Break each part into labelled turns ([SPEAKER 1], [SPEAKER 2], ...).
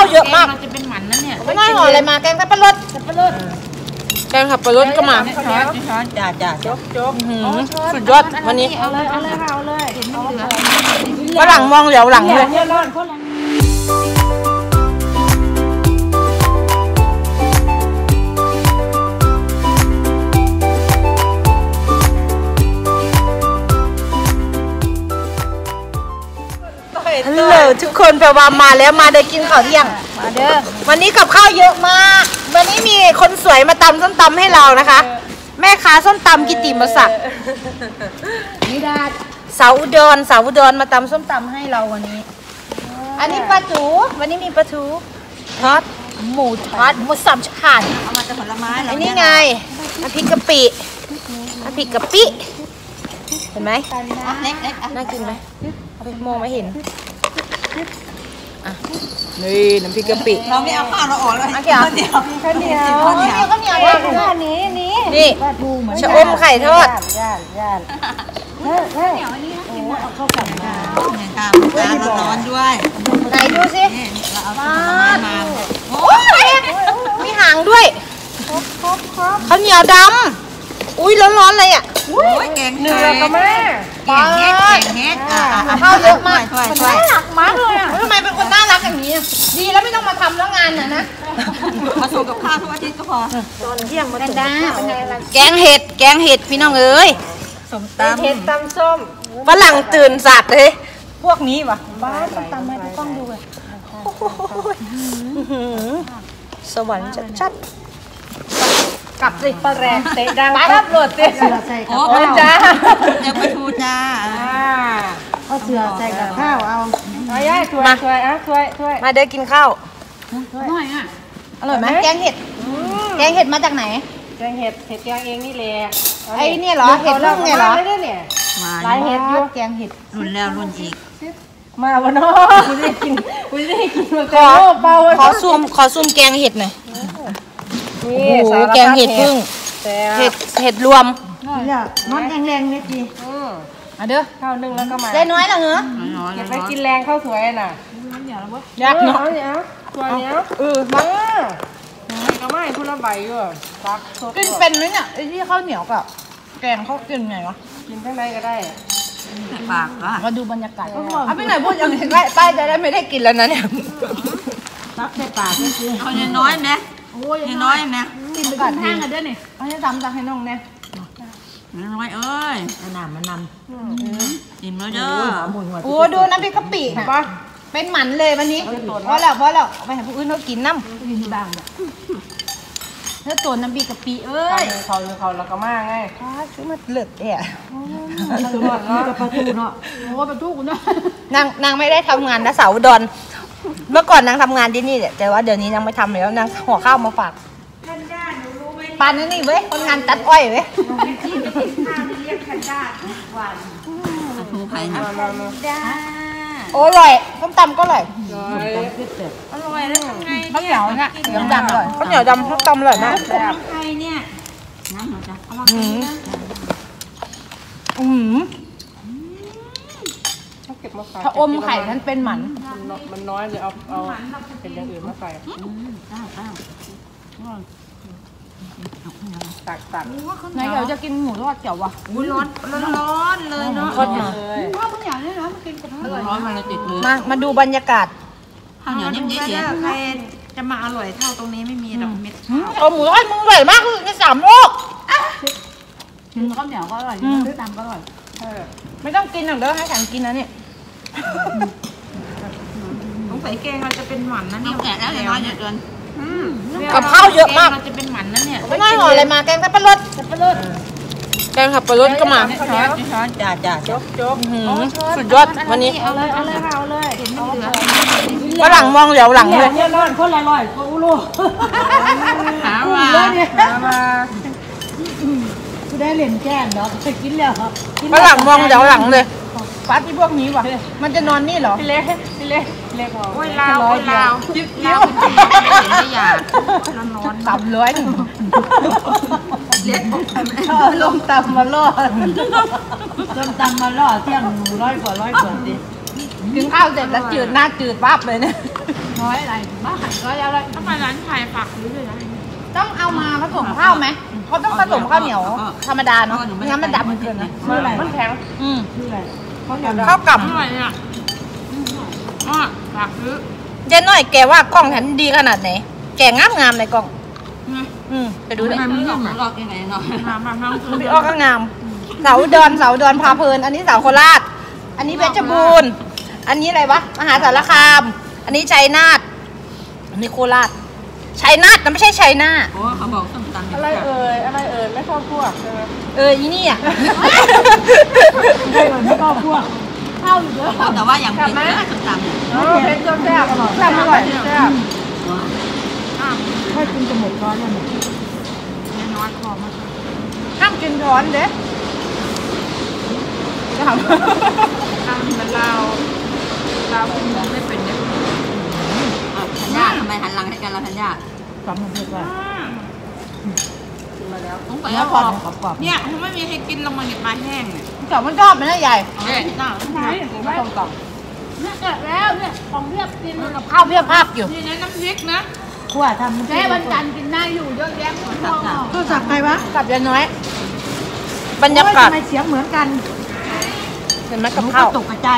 [SPEAKER 1] เยอะมาก
[SPEAKER 2] จะเป็นหมันนะเนี่ย
[SPEAKER 1] ไม่น้อยห่ออะไรมาแกงสับปะรดแกงสับปะรดก็มา
[SPEAKER 2] ช้อนจ่า
[SPEAKER 1] โจ๊กสุดยอดวันนี้
[SPEAKER 2] เอาเลยค่ะเอาเลยเห็นมันเหลือ
[SPEAKER 1] ฝรั่งมองเหลียวหลังเลยฮัลโหลทุกคนแปลว่ามาแล้วมาได้กินข้าวเที่ยงมาเด้อวันนี้กับข้าวเยอะมากวันนี้มีคนสวยมาตำส้มตำให้เรานะคะแม่ค้าส้มตำกิติมศักดิ์นิดาสาวอุดรมาตำส้มตำให้เราวันนี้อันนี้ปลาจูวันนี้มีปลาทูทอดหมูทอดหมูสามชั้น
[SPEAKER 2] เอามาจากผลไม้
[SPEAKER 1] อันนี้ไงน้ำพริกกะปิเห็นไหม
[SPEAKER 2] เล็ก
[SPEAKER 1] น่ากินไหมมองไม่เห็นนี่น้ำพริกกะปิ
[SPEAKER 2] เราไม่เอาข้าวเราออกเลย
[SPEAKER 1] ข้าวเหนียวนี่ชะอมไข่ทอด
[SPEAKER 2] เข้ากันมาร้อนด้วย
[SPEAKER 1] ไหนดูสิ
[SPEAKER 2] มา
[SPEAKER 1] โอ้ยมีหางด้วยข้าวเหนียวดำอุ้ยร้อนๆเลยอ่ะ
[SPEAKER 2] แกงเนื้อก็แม่แกงเฮ็ด
[SPEAKER 1] ข้าวเยอะมาก
[SPEAKER 2] น่ารักมากเลยอ่ะ
[SPEAKER 1] ทำไมเป็นคนน่ารักอย่างนี้ดีแล้วไม่ต้องมาทำแล้วงานนะ
[SPEAKER 2] มาส่งกับข้าวทุกอาทิตย์ก็พอ
[SPEAKER 1] ตอนเที่ยงมาถึงแกงเห็ดพี่น้องเอ้ย
[SPEAKER 2] ส้มตำเห็ดตำส้ม
[SPEAKER 1] ฝรั่งตื่นสัตว์เลยพวกนี้วะบ้าส้มตำให้ทุกต้องดูเลยสวรรค์ชัดกลับสิปลาแรงเตะดังปั๊บโหลดเตะ
[SPEAKER 2] โอ้จ้าเดี๋ยวไปทูจ้า
[SPEAKER 1] เอาเสือใส่กับข้าวเอา
[SPEAKER 2] ย่าช่วย
[SPEAKER 1] มาเด้อกินข้าว
[SPEAKER 2] หน่อยอ่ะ
[SPEAKER 1] อร่อยไหมแกงเห็ดมาจากไหน
[SPEAKER 2] แกงเห็ดแกงเองนี่แหละ
[SPEAKER 1] ไอ้เนี่ยเหรอเห็ดรุ่งเนี่ยเหรอ
[SPEAKER 2] ลายเห็ดยุ่
[SPEAKER 1] แกงเห็ด
[SPEAKER 2] รุ่นแล้วรุ่นอีก
[SPEAKER 1] มาวันน้อกูได้กินขอซูมแกงเห็ดหน่อยโอ้โหแกงเห็ดพึ่งเห็ดรวม
[SPEAKER 2] เนี่ยน้อนแรงๆนี่จี
[SPEAKER 1] เด้อ
[SPEAKER 2] ข้าวนึ่งแล้วก็มา
[SPEAKER 1] ได้น้อยหรอเหรอ
[SPEAKER 2] เก็บไปกินแรงข้าวสวยน่ะ
[SPEAKER 1] ยากเนาะ
[SPEAKER 2] ตัวเนี้ยมาก็ไม่พูดละใบอยู่
[SPEAKER 1] กินเป็นไหมเนี่ยไอ้ที่ข้าวเหนียวกับแกงเขากินไงวะ
[SPEAKER 2] กินข้างในก็ได้ปาก
[SPEAKER 1] มาดูบรรยากาศเอาไปไหนพูดอย่างนี้ป้ายจะได้ไม่ได้กินแล้วนะเนี่ย
[SPEAKER 2] ตักใส่ปากนี่คือเอาน้อยไหมน้อยไหม
[SPEAKER 1] กินไปก่อนห้างกันด้วยนี่เอาให้ทำจากให้น้องเนี่ย
[SPEAKER 2] น้อยเอ้ยมันนำอิ่มแล้วเด้อ
[SPEAKER 1] โอ้ดูน้ำพริกกะปิค่ะเป็นหมันเลยวันนี้เพราะแล้วไปหาผู้อื่นเขากินน้ำกินบ้างเนื้อตัวน้ำพริกกะปิเอ้ย
[SPEAKER 2] เขาแล้วก็มากไง
[SPEAKER 1] ชื่อมันเลือดเนี่ย
[SPEAKER 2] ประตูเนาะโอ้ประตูกูเนาะ
[SPEAKER 1] นางไม่ได้ทำงานนะสาวดอนเมื่อก่อนนางทำงานที่นี่แต่ว่าเดี๋ยวนี้นางไม่ทำแล้วนางห่อข้าวมาฝากปานนี่เว้ยคนงานตัดอ้อยเว้ยโอ้อร่อยส้มตำก็อร่อย
[SPEAKER 2] แล้วทำไง
[SPEAKER 1] ข้าวเหนียวเนี่ยดำเลยข้าวเหนียวดำส้มตำอร่อยมาก
[SPEAKER 2] ใครเนี่ยน้ำหน่อยจ้ะเอามา
[SPEAKER 1] ถ้าอมไข่นั้นเป็นหมัน
[SPEAKER 2] มันน้อยเลยเอาเป็นอย่างอื่นมาใส่ตัก
[SPEAKER 1] ไหนเราจะกินหมูทอดเจียววะ
[SPEAKER 2] ร้อนเลยเนาะ
[SPEAKER 1] ทอดมา
[SPEAKER 2] ข้าวเหนียวนี่นะมันกินกับร้อนมันเลยติดเลย
[SPEAKER 1] มาดูบรรยากาศ
[SPEAKER 2] ข้าวเหนียวนิ่มๆใครจะมาอร่อยเท่าตรงนี้ไม่มีดอกเม็ด
[SPEAKER 1] เอาหมูทอดมึงอร่อยมากคือใน3 โลก
[SPEAKER 2] ข้าวเหนียวก็อร่อยซื้อตามก็อร่อย
[SPEAKER 1] ไม่ต้องกินหรอกเด้อให้ฉันกินนะเนี่ย
[SPEAKER 2] ต้องใส่แกงเราจะเป็นหมันนะเนี่ยแก่แล้วน้อยเกิน
[SPEAKER 1] กับข้าวเยอะมาก
[SPEAKER 2] เราจะเป็นหมันนะเนี่ย
[SPEAKER 1] ไม่น้อยห่ออะไรมาแกงสับปะรดแกงสับปะรดก็มา
[SPEAKER 2] ช้อนจ่าโจ๊ก
[SPEAKER 1] สุดยอดวันนี้
[SPEAKER 2] เอาเลยเห็นมันเหลือ
[SPEAKER 1] ฝรั่งมองเหลียวหลังเลย
[SPEAKER 2] เนี่ยร้อนคนละร้อยกูรู้หามากูได้เหรียญแก้มเนาะไปกินแล้ว
[SPEAKER 1] ฝรั่งมองเหลียวหลังเลยฟ้าที่พวกนี้วะมันจะนอนนี่เหรอ
[SPEAKER 2] พี่เล็กโอ้ยลาวจิ๊บไม่อยากนอน
[SPEAKER 1] 300
[SPEAKER 2] เล็ก
[SPEAKER 1] ลงตำมาล่อ
[SPEAKER 2] เที่ยง100 กว่าดิ
[SPEAKER 1] กินข้าวเสร็จแล้วจืดหน้าจืดวับเลยเนี่ย
[SPEAKER 2] ร้อยอะไรบ้าหันร้อยอะไร
[SPEAKER 3] ถ้าไปร้านไทยฝากซื้อเลยนะ
[SPEAKER 1] ต้องเอามาผสมข้าวไหมเขาต้องผสมข้าวเหนียวธรรมดาเนาะไม่งั้นมันดำเกินนะ
[SPEAKER 2] ชื่ออะไร
[SPEAKER 3] มันแข็ง
[SPEAKER 2] ชื่ออะไร
[SPEAKER 1] ข้าวกล่
[SPEAKER 3] อร่อยเนี่ยฝากซื้อ
[SPEAKER 1] ำเจ๊น้อยแกว่ากล้องฉันดีขนาดไหนแกงามในกล้องไปดูเลย
[SPEAKER 3] มันหลอกยังไงเนาะมาทั้งคืน
[SPEAKER 1] พี่อ้อก็งามเสาดอนพาเพลินอันนี้เสาโคราชอันนี้เพชรบูรณ์อันนี้อะไรวะมหาสารคามอันนี้ชัยนาทอันนี้โคราชชัยนาทนะไม่ใช่ชัยนาท
[SPEAKER 3] โอ้เขาบอกส้มตำ
[SPEAKER 2] อะไรเอ่ยไม่เข้าพวกใช่ไหม
[SPEAKER 1] อีนี่อ่ะ
[SPEAKER 2] ไม่เข้าพวกเข้าอยู่เยอะ
[SPEAKER 3] แต่ว่าอย่างเป็นส้มตำเนี่ย
[SPEAKER 2] เพชรก็แซ่บอร่อยแซ่บอร่อยแซ่บให้กินจะหมดร้อนแล้วเนี่ย
[SPEAKER 3] น้อยคอมาก
[SPEAKER 1] ห้ามกินร้อนเด้
[SPEAKER 3] ทำมันเราคุณไม่เป็นเนี่ยธัญญาทำไมหันหลังให้กันเราธัญญา
[SPEAKER 2] สำมันเรียกว่า
[SPEAKER 3] มาแล้วต้องไป
[SPEAKER 2] เนื้อ
[SPEAKER 3] เอา
[SPEAKER 2] กร
[SPEAKER 3] อ
[SPEAKER 2] อ
[SPEAKER 3] อบ ก
[SPEAKER 2] กรอบ
[SPEAKER 3] เนี่ยถ้าไม่มีใครกินลงมาเนี่ยปลาแห้งเนี่ย
[SPEAKER 1] เจ้ามันชอบไหมนะใหญ่
[SPEAKER 3] น่า
[SPEAKER 2] ใช่ไม่ต้องกรอบ
[SPEAKER 3] เนี่ยเกิดแล้วเนี่ยของเรียบกิน
[SPEAKER 1] กับข้าวเพียบภาพอยู่
[SPEAKER 3] นี่นะน้ำพริกนะ
[SPEAKER 2] ขั้วทำ
[SPEAKER 3] แม่วันจันทร์กินได้อยู่เยอะแยะหมดเลย
[SPEAKER 2] ข้าวสับใครวะ
[SPEAKER 1] กับยายน้อย บรรยากาศ
[SPEAKER 2] ทำไมเสียงเหมือนกัน
[SPEAKER 1] เห็นไหมกับข้าว
[SPEAKER 2] ตกกระจาย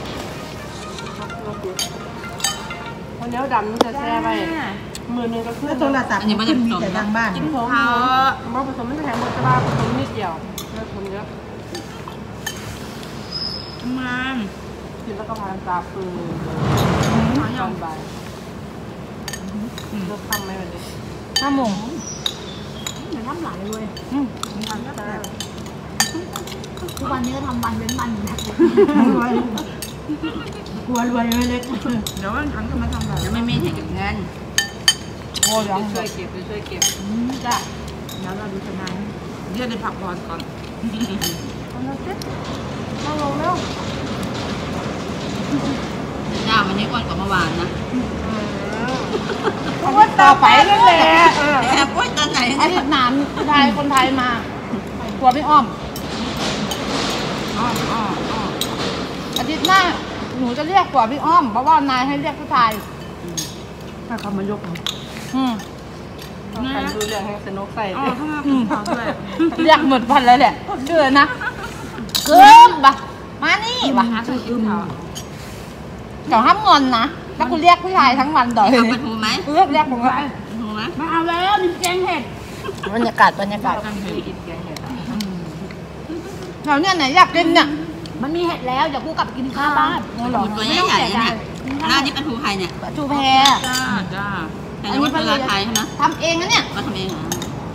[SPEAKER 4] คนเนี้ยดำจะแช่ไปมือนึงก็ขึ้น
[SPEAKER 2] โทรศัพท์ขึ้นมีแต่ทางบ้าน
[SPEAKER 4] กินผงผสมไม่ใช่แข็งหมดจะบ้าผสมนิดเดียวเลิกคนเยอะ
[SPEAKER 3] มัน
[SPEAKER 4] กินแล้วก็พานตาปืนตอนบ่ายเลิกทำไหมวันนี้
[SPEAKER 1] 5 โมง
[SPEAKER 2] เหมือนน้ำไหลเลยทุกวันนี้ก็ทำวันเว้นวันอยู่นะรวยกลัวรวยเลยเล็ก
[SPEAKER 3] เดี๋ยววันถังจะมาทำแบบยังไม่มีให้เก็บเงิน
[SPEAKER 1] โอ้ย
[SPEAKER 4] ช่วยเก็บช่วยเก็บ
[SPEAKER 3] จ้ะแล้วเราดูทนายเดี๋ยวได้พักผ่อนก่อน
[SPEAKER 4] มาลงแล้ว
[SPEAKER 3] จ้าวันนี้อ้วนกว่าเมื่อวานนะ
[SPEAKER 1] เพราะว่าต่อไปนั่นแหละ
[SPEAKER 3] แอบอ้วนตอนไหน
[SPEAKER 1] อาทิตย์หน้ามีคนไทยมาตัวพี่อ้อม
[SPEAKER 3] อ๋อ
[SPEAKER 1] อาทิตย์หน้าหนูจะเรียกตัวพี่อ้อมเพราะว่านายให้เรียกผู้ชาย
[SPEAKER 2] ถ้าเขามายก
[SPEAKER 4] ใครดูเรื่องให้สนุกใส่
[SPEAKER 3] อ๋อข้างหน้าคุณขาวด้วย
[SPEAKER 1] เรียกหมดพันแล้วแหละเชื่อนะเกิมปะมานี่ปะ
[SPEAKER 3] หาใส่กินขาว
[SPEAKER 1] เดี๋ยวห้ามงอนนะถ้าคุณเรียกผู้ชายทั้งวันต่อย
[SPEAKER 3] เอาปลาทูไหม
[SPEAKER 1] เรียกผมว่า
[SPEAKER 3] ทูไหม
[SPEAKER 2] มาเอาแล้วมีแกงเห็ด
[SPEAKER 1] บรรยากาศ
[SPEAKER 3] กันเถอะกินแกงเห็ด
[SPEAKER 1] แถวเนี้ยไหนอยากกินเนี่ย
[SPEAKER 2] มันมีเห็ดแล้วเดี๋ยวกูกลับไปกินข้าวบ้าน
[SPEAKER 3] ตัวใหญ่ๆเนี่ยหน้านี่ปลาทูไทยเนี่ย
[SPEAKER 1] จูแพ
[SPEAKER 3] จ้าแต่นี่ว่าเป็นร้านไทยใช่ไหม
[SPEAKER 1] ทำเองนะเนี่ย
[SPEAKER 3] ก็ทำเองเหรอ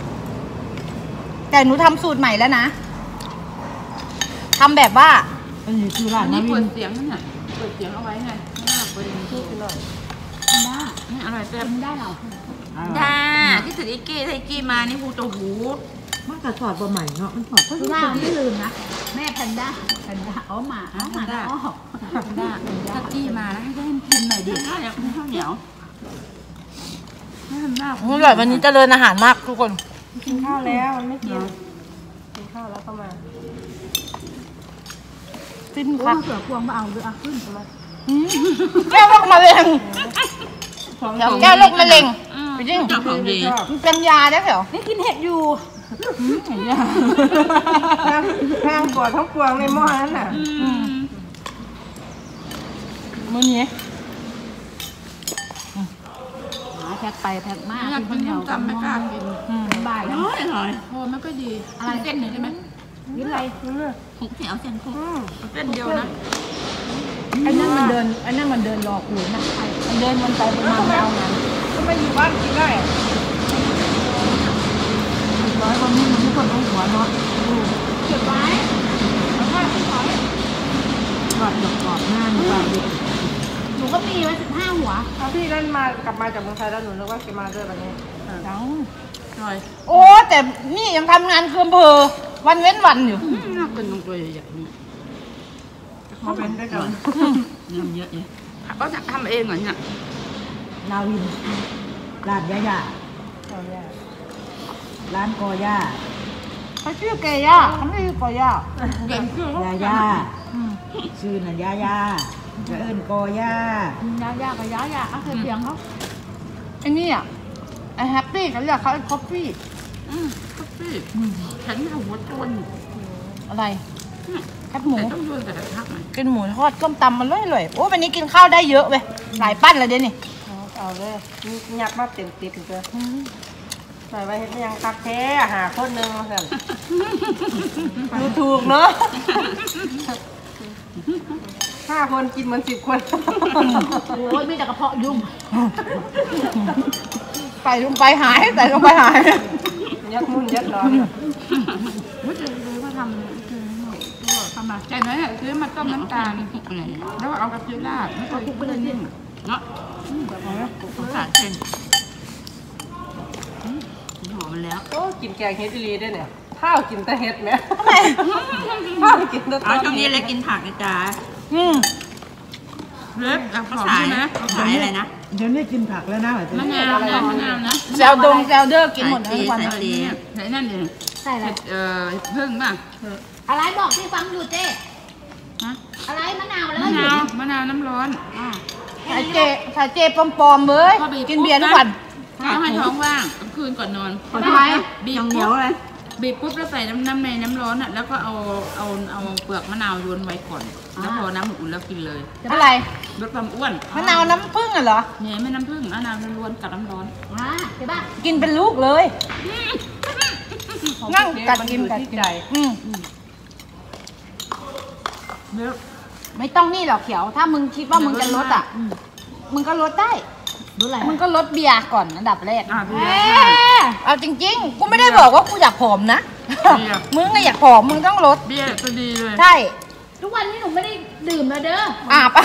[SPEAKER 1] แต่หนูทำสูตรใหม่แล้วนะทำแบบว่า
[SPEAKER 2] อันนี้คือร้าน
[SPEAKER 3] อัน
[SPEAKER 2] นา
[SPEAKER 3] นี้
[SPEAKER 2] วิ
[SPEAKER 3] เปิ
[SPEAKER 2] น
[SPEAKER 3] ดเสียงนั่นน่ะเปิดเสียงเอาไว้ไงไม่หลับเปิดพูดไปหน่อย
[SPEAKER 2] ได้
[SPEAKER 3] นี่อร่อยแซ่บ
[SPEAKER 2] ได้เหรอ
[SPEAKER 3] จ้าที่ถืออีกี้ไทยกี้มานี่หูตัวหู
[SPEAKER 2] มันกระสอดบ่ใหม่เนาะมันสอดก็ว่าไม่ลืมนะแม่แพนด้าอ๋อหมาอ๋อหมาอ๋อ
[SPEAKER 3] ถ้ากี้มาแล้วให้มันกินหน่อยดิข้าวเหนียวข้าวเหนียวให้ทำหน้า
[SPEAKER 1] อร่อยวันนี้เจริญอาหารมากทุกคน
[SPEAKER 4] กินข้าวแล้วมันไม่กินกินข้าวแล้วก็มา
[SPEAKER 1] ฟิน
[SPEAKER 2] โอ้
[SPEAKER 1] ค่ะ
[SPEAKER 2] เสือพวงมาเอาเลยอ่ะขึ้นมา
[SPEAKER 1] แก้วโรคมะเร็งเดี๋ยวแก้วโรคมะเร็งไปจริง
[SPEAKER 3] เจ้าของดี
[SPEAKER 1] มันเป็นยาได้เหรอ
[SPEAKER 2] นี่กินเห็ดอยู่
[SPEAKER 4] แพงกว่าทั้งปวงในหม้อนั้นน่ะ
[SPEAKER 1] มื้อนี้
[SPEAKER 2] หาแพ็คไปแพ็คมา
[SPEAKER 3] อยากกินส้มตำไม่กล้ากิน
[SPEAKER 2] บ่ายแล้ว
[SPEAKER 3] น้อยหน่อยโอ้ไม่ค่อยดีอะไรเส้นหนึ่งได้ไหม
[SPEAKER 2] กินอะไร
[SPEAKER 3] คุกเหนียวเส้นคุกเส้นเดียวนะ
[SPEAKER 2] ไอ้นั่นมันเดินรอกูนะมันเดินมันไปมาไม่เอางาน
[SPEAKER 4] ก็ไม่อยู่บ้านกินได้
[SPEAKER 2] ร้อยวันนี้มันทุกคนต้องหัวเนาะ
[SPEAKER 3] เก็บไว้แล้วก็ไม่ถอย
[SPEAKER 2] กรอบกรอบหน้าหนูกรอบดิ
[SPEAKER 1] หนูก็มีไว้15 หัว
[SPEAKER 4] ถ้าพี่นั่นมากลับมาจากเมืองไทยแล้วหนูนึกว่าแกมาด้วยแบบนี้
[SPEAKER 1] จัง
[SPEAKER 3] หน่อย
[SPEAKER 1] โอ้แต่นี่ยังทำงานคืออำเภอวันเว้นวันอยู่
[SPEAKER 3] น่ากินตรงตัวใหญ่ๆนี่
[SPEAKER 4] เขาเป็นด้วยกัน
[SPEAKER 3] เนื้อเยอะเลยก็จะทำเองเหรอเนี่ย
[SPEAKER 2] นาวินร้านย่าร้านกอย่า
[SPEAKER 1] เขาชื่อเกย่าเขาไม่ชื่อกอย่า
[SPEAKER 3] เก่งขึ้น
[SPEAKER 2] ย่าชื่อน่ะย่าจะเอิ้นกอย่าย
[SPEAKER 3] ากับยาเอาเสียงเขาไอ้นี่อ่ะไอ้แฮปปี้เขาเรียกเขาไอ้คอฟฟี่คอฟฟี่ฉันหัวโตน
[SPEAKER 1] อะไรแคบหมู
[SPEAKER 3] ต้องโยนแต่กระทะไหม
[SPEAKER 1] กินหมูทอดต้มตำมันเลยโอ้วันนี้กินข้าวได้เยอะเว้ยหลายปั้นเลยเดี๋ยวนี้
[SPEAKER 4] เอาเลยนี่ยักมาเต็มติดเลยใส่ไว้เห็นยังคักแท้หาคนนึงมาสั่นดูถูกเนาะ5 คนกินเหมือน10 คน
[SPEAKER 3] โอ้ยมีแต่กระเพาะยุ่ง
[SPEAKER 1] ใส่ลงไปหายใส่ลงไปหาย
[SPEAKER 4] ยักมุ่นยักนอน
[SPEAKER 3] ไม่เคยเลยว่าทำคือทำมาใจน้อยอ่ะคือมาต้มน้ำตาลแล้วเอากระเทียมราดไม่เคยคุกไปเลยนี่เนาะภาษาเช่นหอมมันแล้ว
[SPEAKER 4] โอ้กินแกงเฮ็ดอีหลีได้เนี่ยข้าวกินแต่เฮ็ดไหมข้าวกินแต่
[SPEAKER 3] อ๋อช่วงนี้เลยกินผักนะจ๊ะเล็บกับหอมใช่ไหมขายอะไรนะ
[SPEAKER 2] เดี๋ยวนี้กินผักแล้วนะ
[SPEAKER 3] มะนาวนะ
[SPEAKER 1] แซลเดอร์กินหมดทั้งวัน
[SPEAKER 3] ใส่นั่นเอง
[SPEAKER 5] ใช่แล้ว
[SPEAKER 3] เพิ่งป่ะ
[SPEAKER 5] อะไรบอกที่ฟังอยู่เจ๊
[SPEAKER 3] ฮะ
[SPEAKER 5] อะไรมะนาวแล้ว
[SPEAKER 3] มะนาวน้ำร้อน
[SPEAKER 1] สายเจปลอมๆเลยกินเบียร์ทุกวัน
[SPEAKER 3] ต้องให้ท้องว่างกลางคืนก่อนนอน
[SPEAKER 1] ทำไม
[SPEAKER 3] บีบเหนียวเลยบีบปุ๊บแล้วใส่น้ำในน้ำร้อนอ่ะแล้วก็เอาเปลือกมะนาวโยนไว้ก่อนแล้วพอน้ำอุ่นแล้วกินเลย
[SPEAKER 1] อะไร
[SPEAKER 3] ลดความอ้วน
[SPEAKER 1] มะนาวน้ำผึ้งเหรอ
[SPEAKER 3] เนี่ยไม่น้ำผึ้งมะนาวล้วนกับน้ำร้อน
[SPEAKER 5] ใช่ป่ะ
[SPEAKER 1] กินเป็นลูกเลยนั่งกัดกินกัด
[SPEAKER 4] ที่
[SPEAKER 1] กิน
[SPEAKER 4] ใจ
[SPEAKER 1] ไม่ต้องนี่หรอกเขียว ถ้ามึงคิดว่ามึงจะลดอ่ะมึงก็ลดได้
[SPEAKER 5] รู้อะไร
[SPEAKER 1] มึงก็ลดเบียร์ก่อนอันดับแรก
[SPEAKER 3] พี่
[SPEAKER 1] เอาจริงๆ กูไม่ได้บอกว่ากูอยากผอมนะ
[SPEAKER 3] เบียร์
[SPEAKER 1] มึงก็อยากผอมมึงต้องลด
[SPEAKER 3] เบี้ยก็ดีเลย
[SPEAKER 1] ใช่
[SPEAKER 5] ทุกวันนี้หนูไม่ได้ดื่มแล้วเด้อ
[SPEAKER 1] อาบเอา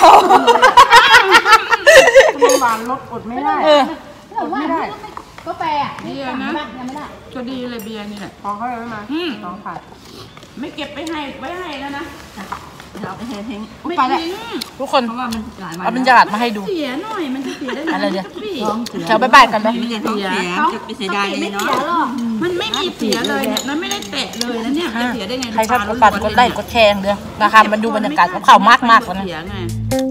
[SPEAKER 4] น้ำหวานลดอดไม่ได้
[SPEAKER 1] เออ
[SPEAKER 5] แต่ว่าก็แปรอ่ะนี่สั่งไหมยังไม่ได้
[SPEAKER 3] ก็ดีเลยเบียร์นี่แหละ
[SPEAKER 4] ของเขาเลยมาของขาด
[SPEAKER 3] ไม่เก็บไว้ให้แล้วนะเราไปทิ้ง
[SPEAKER 1] ไปแล้วทุกคน
[SPEAKER 3] เพราะว่ามันหลายวัน
[SPEAKER 1] เอาบรรยากาศมาให้ดู
[SPEAKER 3] เสียหน่อยมันจะเสียได้
[SPEAKER 1] อะไรเดี๋ยว
[SPEAKER 3] พี่
[SPEAKER 1] แถวบ๊ายบายกันไหม
[SPEAKER 3] เสียจะไปเสียดายเลยเนาะมันไม่มีเสียเลยเนี่ยมันไม่ได้แตะเลยนะเนี่ยจะเสียได้ไง
[SPEAKER 1] ใครชอบกดปั่นกดไลค์กดแชร์เด้อนะคะมาดูบรรยากาศกับข่าวมากๆกว่านะ
[SPEAKER 3] เสียไง